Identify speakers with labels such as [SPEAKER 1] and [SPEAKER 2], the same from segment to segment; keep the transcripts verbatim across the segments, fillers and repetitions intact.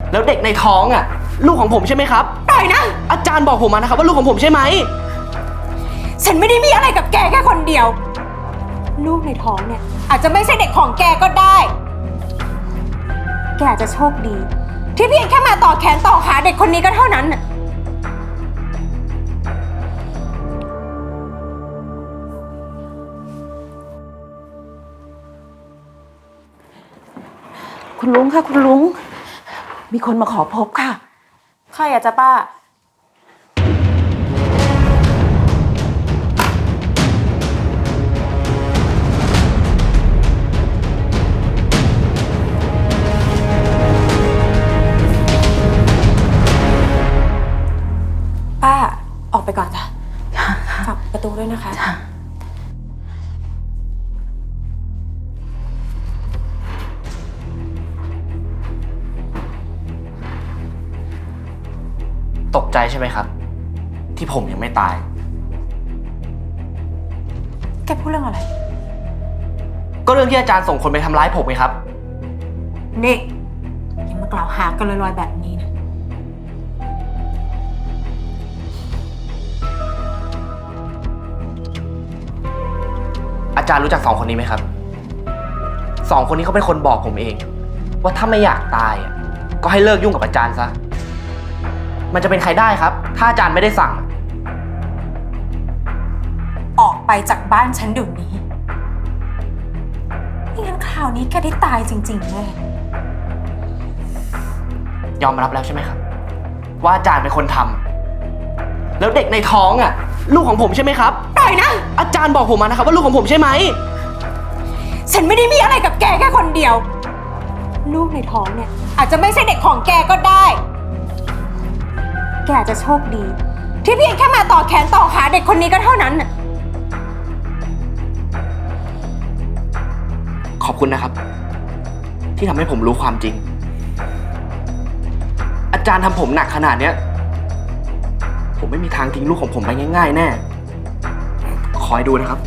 [SPEAKER 1] แล้วเด็กในท้องอ่ะลูกของผมใช่ไหมครับ
[SPEAKER 2] ปล่อยนะ
[SPEAKER 1] อาจารย์บอกผมมานะครับว่าลูกของผมใช่ไหม
[SPEAKER 2] ฉันไม่ได้มีอะไรกับแกแค่คนเดียวลูกในท้องเนี่ยอาจจะไม่ใช่เด็กของแกก็ได้แกอาจจะโชคดีที่เพียงแค่มาต่อแขนต่อขาเด็กคนนี้ก็เท่านั้นน่ะ
[SPEAKER 3] คุณลุงค่ะคุณลุงมีคนมาขอพบค่ะ
[SPEAKER 2] ใครอะจ๊ะป้าป้าออกไปก่อนจ้ะฝากประตูด้วยนะคะ
[SPEAKER 1] ตกใจใช่ไหมครับที่ผมยังไม่ตาย
[SPEAKER 2] แกพูดเรื่องอะไร
[SPEAKER 1] ก็เรื่องที่อาจารย์ส่งคนไปทำร้ายผมไงครับ
[SPEAKER 2] นี่อย่ามากล่าวหากันลอยๆแบบนี้นะ
[SPEAKER 1] อาจารย์รู้จักสองคนนี้ไหมครับสองคนนี้เขาเป็นคนบอกผมเองว่าถ้าไม่อยากตายอ่ะก็ให้เลิกยุ่งกับอาจารย์ซะมันจะเป็นใครได้ครับถ้าอาจารย์ไม่ได้สั่ง
[SPEAKER 2] ออกไปจากบ้านฉันเดี๋ยวนี้ไม่งั้นคราวนี้แกได้ตายจริงๆแน่
[SPEAKER 1] ยอมรับแล้วใช่ไหมครับว่าอาจารย์เป็นคนทำแล้วเด็กในท้องอ่ะลูกของผมใช่ไหมครับ
[SPEAKER 2] ปล่อยนะ
[SPEAKER 1] อาจารย์บอกผมมานะครับว่าลูกของผมใช่ไหม
[SPEAKER 2] ฉันไม่ได้มีอะไรกับแกแค่คนเดียวลูกในท้องเนี่ยอาจจะไม่ใช่เด็กของแกก็ได้แกอาจจะโชคดีที่เพียงแค่มาต่อแขนต่อขาเด็กคนนี้ก็เท่านั้นน่ะ
[SPEAKER 1] ขอบคุณนะครับที่ทำให้ผมรู้ความจริงอาจารย์ทำผมหนักขนาดเนี้ยผมไม่มีทางทิ้งลูกของผมไปง่ายๆแน่คอยดูนะครับ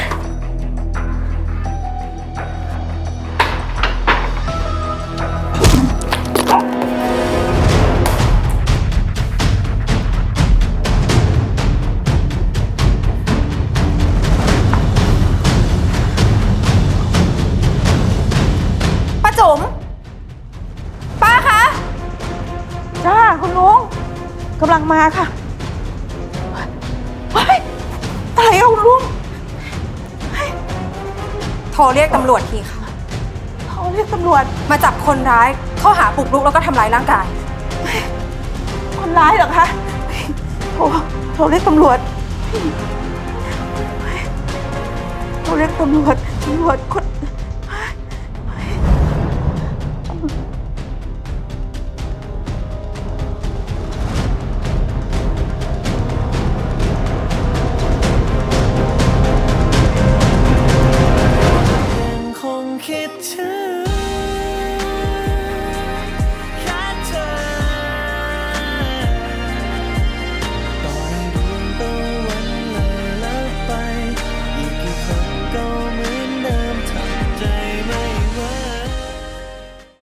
[SPEAKER 2] จุ๋มป้าคะ
[SPEAKER 3] จ้าคุณลุงกำลังมาค่ะเฮ้ยอะไรเอาลุง
[SPEAKER 2] โทรเรียกตำรวจทีค่ะ
[SPEAKER 3] เขาเรียกตำรวจ
[SPEAKER 2] มาจับคนร้ายข้อหาบุกรุกแล้วก็ทำร้ายร่างกาย
[SPEAKER 3] คนร้ายเหรอคะโทรโทรเรียกตำรวจโทรเรียกตำรวจตำรวจคน